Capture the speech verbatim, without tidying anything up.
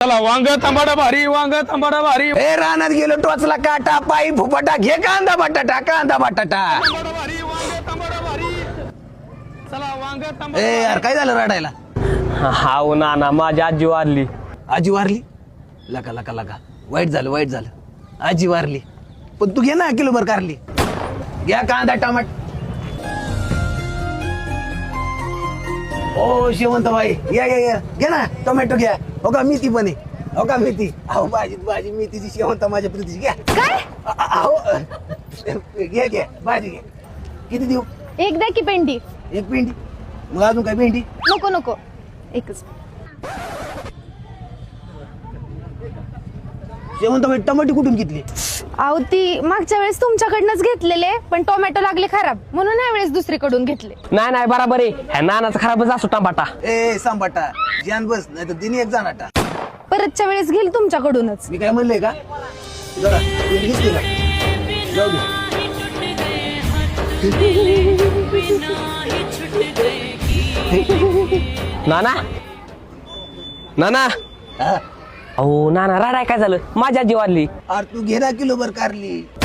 चला वांग तांबाडा भारी, वांग तांबाडा भारी, ए रानात गेलो टोचला काटा पायी फुफाटा घे कांदा बटाटा कांदा बटाटा. तांबाडा भारी, वांग तांबाडा भारी. चला वांग तांबाडा ए यार काय झालं रडायला? हाव ना ना माझी आजी वारली. आजी वारली? लका लका लका वाईट झालं वाईट झालं. आजी वारली पण तू घे ना किलोभर कारली. घ्या कांदा टमाट. ओ शेवंत भाई या या या घ्या ना टोमॅटो घ्या. हो का मेथी पण आहे. हो का मेथी. अहो भाजी भाजी मेथीची शेवंत माझ्या प्रीतीची घ्या. काय अहो घ्या घ्या भाजी घ्या. किती देऊ? एक द्या की पेंडी. एक पेंडी. मग अजून काय पेंडी? नको नको एकच. शेवंत भाई टमाटे कुठून घेतली? अहो ती मागच्या वेळेस तुमच्याकडनंच घेतलेले पण टोमॅटो लागले खराब म्हणून या वेळेस दुसरीकडून घेतले. नाही नाही बराबर आहे ह्या नानाचा खराबच असतो टमाटा. ए सांबाटा जान बस नाही तर दिनी एक जाणाटा. परतच्या वेळेस घेईल तुमच्याकडूनच. मी काय म्हणलंय का जरा तू घेतली का? जाऊ दे. नाना नाना हा? अहो नाना राडाय काय झालं माझी आजी वारली. अरे तू घे ना किलोभर कारली.